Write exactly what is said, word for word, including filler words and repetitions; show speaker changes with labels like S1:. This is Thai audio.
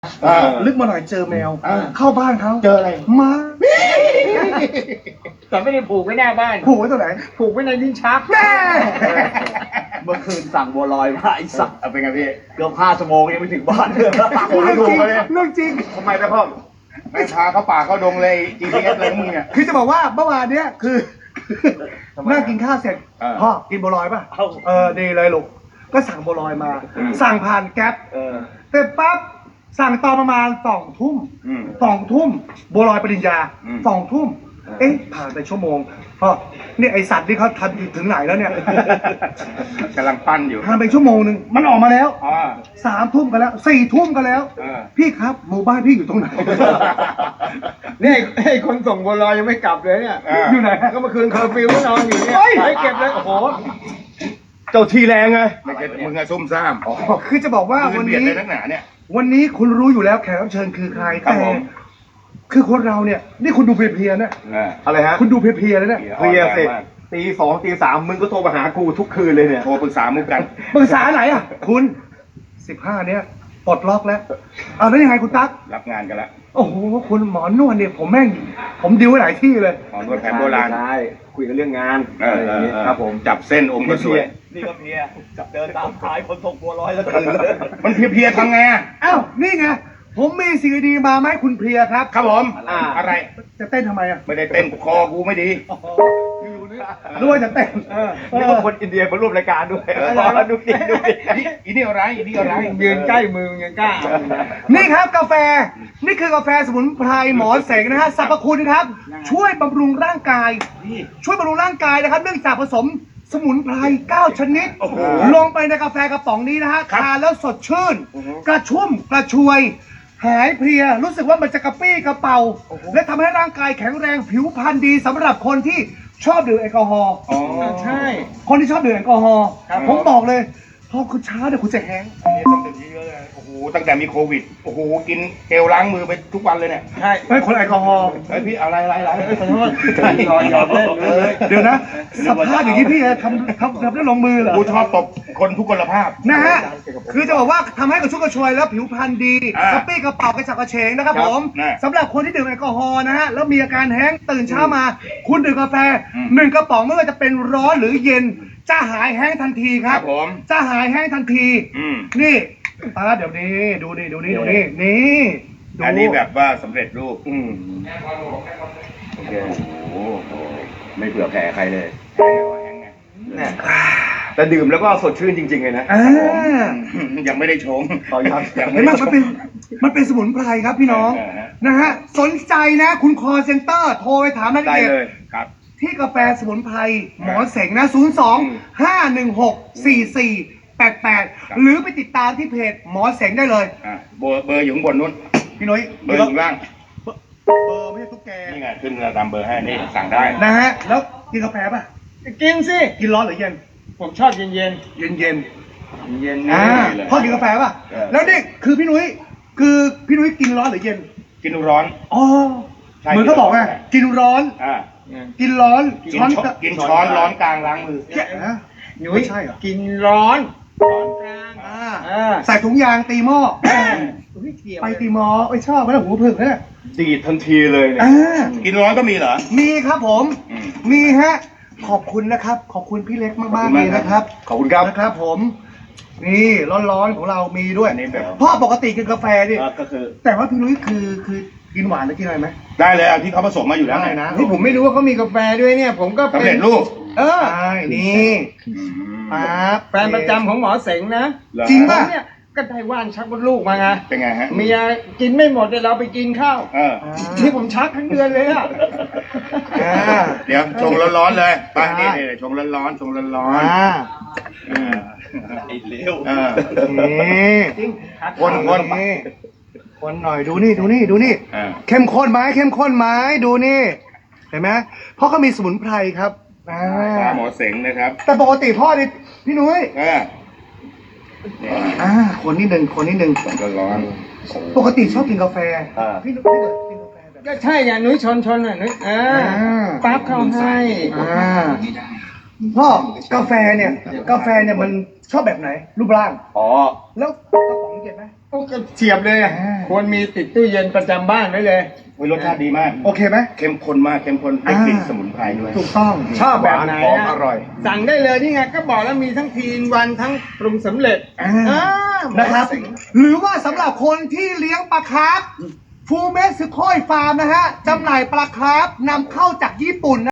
S1: ลึกมาหน่อยเจอแมว
S2: อ่า
S1: เข้าบ้านเขา
S2: เจออะไร
S1: ม้า
S3: แต่ไม่ได้ผูกไว้หน้าบ้าน
S1: ผูกไว้ตัวไหน
S3: ผูกไว้ในลิ้นชัก
S1: แม่
S2: เมื่อคืนสั่งบัวลอยมาไอ้สัตว์เอาเป็นไงพี่เกือบห้าชั่วโมงยังไม่ถึงบ้านเลย
S1: เรื่องจริงเรื่องจริง
S2: ทำไมไปพ่อไม่พาเข้าป่าเข้าดงเลย จี พี เอส เลยมึงเนี่ย
S1: คือจะบอกว่าเมื่อวานเนี้ยคือ
S2: ทำไม
S1: นั่งกินข้าวเสร็จ
S2: เออ
S1: พ่อกินบัวลอยป่ะ
S2: เอ้า
S1: เออดีเลยลูกก็สั่งบัวลอยมา
S2: อืม
S1: สั่งผ่านแก๊ป
S2: เออ
S1: เสร็จปั๊บสั่งตอนประมาณสองทุ่ม
S2: อืม
S1: สองทุ่มบัวลอยปริญญา
S2: อืม
S1: สองทุ่ม
S2: เออ
S1: เอ๊ะผ่านไปชั่วโมงพ่อนี่ไอสัตว์นี่เขาทันถึงไหนแล้วเนี่ย
S2: กำลังปั้นอยู่
S1: ผ่านไปชั่วโมงหนึ่งมันออกมาแล้ว
S2: อ๋อ
S1: สามทุ่มกันแล้วสี่ทุ่มกันแล้ว
S2: เออ
S1: พี่ครับหมู่บ้านพี่อยู่ตรงไหน
S3: นี่ไอ้คนส่งบัวลอยยังไม่กลับเลยเนี่ย
S2: เออ
S1: อยู่ไหน
S3: ก็เมื่อคืนเคอร์ฟิวก็นอนอยู่เนี่ย
S1: เฮ้ย
S3: ไม่เก็บเลย โอ้โห
S2: เจ้าทีแรงไงไม่ใช่มึงอะซุ่มซ่าม
S1: คือจะบอกว่า
S2: คื
S1: วัน
S2: เบียด
S1: นี้
S2: เลยนักหนาเนี่ย
S1: วันนี้คุณรู้อยู่แล้วแขกรับเชิญคือใคร
S2: ครับ
S1: แต่
S2: ผม
S1: คือคนเราเนี่ย นี่คุณดูเพลียๆนะ
S2: อะไรฮะ
S1: คุณดูเพลียๆเลยนะ
S2: เพลียเสร็จ
S3: ตีสองตีสามมึงก็โทรมาหากูทุกคืนเลยเนี่ย
S2: โทรปรึกษามุกกัน
S1: ปรึกษาไหนอ่ะ คุณสิบห้าเนี้ยปลดล็อกแล้วเอาแล้วยังไงคุณตั๊ก
S2: รับงานกันละ
S1: โอ้โหคุณหมอนวดเนี่ยผมแม่ง ผมดิวไว้หลายที่เลย
S2: หมอนวดแผนโบราณ
S3: ใช่คุยกันเรื่องงาน
S2: เออ
S3: อะไรอย่างงี้
S2: เออ
S3: ครับผม
S2: จับเส้นอมก็สวย
S3: นี่ก็เพียกับเดินตามท้ายคนส่งบัวลอยแล้วคืน
S2: มันเพลียๆทำไงอะ
S1: อ้าวนี่ไงผมมีสิ่งดีๆมาไหมาให้คุณเพลียครับ
S2: ครับผม
S3: อ่า
S2: อะไร
S1: จะเต้นทำไมอ่ะ
S2: ไม่ได้เต้นคอกูไม่ดี
S1: รู้ว่าจะเต้น
S3: เออนี่ก็คนอินเดียมาร่วมรายการด้วย
S2: เออ
S3: ดูดิดูดิ
S2: อีอีนี่อะไรอีนี่อะไร
S3: ยืนใกล้มือมึงยังกล้าเอาเลย
S1: นี่ครับกาแฟ นี่คือกาแฟสมุนไพรหมอเสงนะฮะสรรพคุณครับ ช่วยบำรุงร่างกาย ช่วยบำรุงร่างกายนะครับ เนื่องจากผสมสมุนไพรเก้าชนิด
S2: โอ้โห
S1: ลงไปในกาแฟกระป๋องนี้นะฮะ
S2: ครับ
S1: ทานแล้วสดชื่น กระชุ่มกระชวย หายเพลีย รู้สึกว่ามันจะกระปี้กระเป๋า และทำให้ร่างกายแข็งแรงผิวพรรณดีสำหรับคนที่ชอบดื่มแอลกอฮอล์
S2: อ๋อ
S3: ใช่
S1: คนที่ชอบดื่มแอลกอฮอล์
S2: ครับ
S1: ผมบอกเลยพอคุณช้าเดี๋ยวคุณจะแห้งก์
S2: นี่ต้องดื่มเยอะๆเลยโอ้โหตั้งแต่มีโควิดโอ้โหกินเจลล้างมือไปทุกวันเลยเนี่ย
S3: ใช่
S1: เฮ้ยคนแอลกอฮอล์
S2: เฮ้ยพี่เอาอะไรอะไรอะไร
S3: ขอโทษยอมยอมเล่นเลย
S1: เดี๋ยวนะสภาพอย่างนี้พี่ทำทำทำได้ลงมือเหรอ
S2: กูชอบตบคนทุกคนภาพ
S1: นะฮะคือจะบอกว่าทำให้กระชุ่มกระชวยแล้วผิวพรรณดี
S2: อ่าก
S1: ระปี้กระเป๋ากระฉับกระเฉงนะครับ
S2: ครับ
S1: ผม
S2: น่ะ
S1: สำหรับคนที่ดื่มแอลกอฮอล์นะฮะแล้วมีอาการแห้งก์ตื่นเช้ามา คุณดื่มกาแฟ
S2: อืม
S1: หนึ่งกระป๋องไม่ว่าจะเป็นร้อนหรือเย็น จะหายแห้งทันทีค
S2: ค
S1: รั
S2: รับ บผม
S1: จะหายแห้งทันที
S2: อืม
S1: นี่อ่าเดี๋ยวนี้ดูนี่ดูนี่ดูนี่นี่ดู
S2: อันนี้แบบว่าสำเร็จรูป
S3: อืม
S2: โอเคโอ้โหไม่เผื่อแผ่ใครเลยแห้งไง
S3: เนี่ยแต่ดื่มแล้วก็สดชื่นจริงๆเลยนะ
S1: อ่า
S2: ยังไม่ได้ชง
S3: ขออนุญาต
S2: ยัง
S1: เห็
S2: ไม่
S1: นไหม
S2: ได้ช
S1: มัน
S2: ง
S1: เป็นมันเป็นสมุนไพรครับพี่น้อง
S2: เออฮะ
S1: นะฮะสนใจนะคุณคอเซ็นเตอร์โทรไปถามรายละ
S3: ได้
S1: เอียด
S3: เลย
S2: ครับ
S1: ที่กาแฟสมุนไพรหมอเสงนะ ศูนย์ สอง ห้า หนึ่ง หก สี่ สี่ แปด แปด
S2: ครับ
S1: หรือไปติดตามที่เพจหมอเสงได้เลย
S2: อ่ะเบอร์เบอร์อยู่ข้างบนนู้น
S1: พี่นุ้ย
S2: เบอร์อยู่ข้างล่าง
S1: เบอร์ไม่ใช่ตุ๊กแก
S2: นี่ไงขึ้นตามเบอร์ให้นี่สั่งได้
S1: นะฮะแล้วกินกาแฟป่ะ
S3: กินสิ
S1: กินร้อนหรือเย็น
S3: ผมชอบเย็นๆ
S1: เย็นเย็น
S3: เย็น
S1: ๆ
S3: ๆ
S1: อ่า
S2: เลย
S1: พ่อกินกาแฟป่ะ
S2: เออ
S1: แล้วนี่คือพี่นุ้ยคือพี่นุ้ยกินร้อนหรือเย็น
S2: กินร้อน
S1: อ๋อ
S2: ใช่
S1: เหมือนเขาบอกไงกินร้อน
S2: อ่า
S1: กินร้อน
S2: กิน
S1: ช้อน
S2: ช้อน
S1: กะ
S2: กินช้อนร้อนกลางล้างมือ
S1: แกะนะ
S3: หนุ่
S1: ไม่
S3: ย
S1: ใช่เหรอ
S3: กินร้อนร้อนกลาง
S1: อ่า
S3: อ่า
S1: ใส่ถุงยางตีหม้อ
S3: อุ๊ยเกี่ยว
S1: ไปตีหม้อไม่ชอบไม่ได้หูผึ่งนะเนี่ย
S3: ดีดทันทีเลยเนี่ย
S1: อ่า
S2: กินร้อนก็มีเหรอ
S1: มีครับผม
S2: อืม
S1: มีฮะ ขอบคุณนะครับ ขอบคุณพี่เล็กมาก
S2: ขอบ
S1: ๆ
S2: คุ
S1: เล
S2: ณ
S1: ย
S2: มากครับ
S1: นะครับ
S3: ขอบคุณครับ
S1: นะครับผม นี่ร้อนๆของเรามีด้วย
S2: อันนี้แบบ
S1: พ่อปกติกินกาแฟดิ
S3: ก็คือ
S1: แต่ว่าพี่นุ้ยคือคือกินหวานหรือกินอะไรไหม
S2: ได้เลยอ่ะที่เขาผสมมาอยู่แล้ว
S1: ได้นะ
S3: นี่ผมไม่รู้ว่าเขามีกาแฟด้วยเนี่ย ผมก็
S2: สำ
S3: เป็
S2: เร็
S3: น
S2: จรูป
S3: เออ
S1: ใช่นี่ปั๊บ
S3: แฟนประจำของหมอเสงนะ
S2: เหรอ
S1: จริง
S3: ผ
S1: ป่ะ
S3: มเนี่ยก็ได้ว่านชักมดลูกมาไง
S2: เป็นไงฮะ
S3: เมียกินไม่หมดเดี๋ยวเราไปกินข้าว
S2: เออ
S3: ที่ผมชักทั้งเดือนเลยอ่ะ
S1: อ่า
S2: เดี๋ยวชงร้อนๆเลยไปนี่นี่ชงร้อนๆชงร้อน
S1: อ่า
S2: ๆเออ
S3: ไอ้เลว
S2: เออ
S1: นี่
S2: คนคน
S1: นี่คนหน่อยดูนี่ดูนี่ดูนี่
S2: เออ
S1: เข้มข้นไหมเข้มข้นไหมดูนี่ เห็นไหมเพราะเขามีสมุนไพรครับอ่า
S2: หมอเสงนะครับ
S1: แต่ปกติพ่อนี่พี่นุ้ย
S2: เออเนี่ย
S1: อ่าคนนิดหนึ่งคนนิดหนึ่ง
S2: ร้อน
S1: ปกติชอบกินกาแฟ
S2: อ่า
S1: พี่นุ้ยพี่เบิร์ดกินกาแฟแบบ
S3: ก็ใช่ไงนุ้ยชนชนอ่ะนุ้ยอ่า
S1: อ่า
S3: ปั๊บเข้าให้
S1: อ่าพ่อกาแฟเนี่ย กาแฟเนี่ยมันชอบแบบไหน รูปร่าง
S3: อ๋อ
S1: แล้วกระป๋องเย็นไหม
S3: โอ้ก็เฉียบเลยอะควรมีติดตู้เย็นประจำบ้านไว้เลย
S4: โอ้ยรสชาติดีมาก
S1: โอเคไหม
S4: เข้มข้นมากเข้มข้นได้กลิ่นสมุนไพรด้วย
S1: ถูกต้องชอบแบบไหน
S4: หวานหอม
S1: อะ
S4: อร่อย
S3: สั่งได้เลยนี่ไงก็บอกแล้วมีทั้งทีนวันทั้งปรุงสำเร็จ
S1: อ่า
S3: อ่า
S1: นะครับ หรือว่าสำหรับคนที่เลี้ยงปลาคาร์ฟฟูเมสซึโคยฟาร์มนะฮะจำหน่ายปลาคาร์ฟนำเข้าจากญี่ปุ่น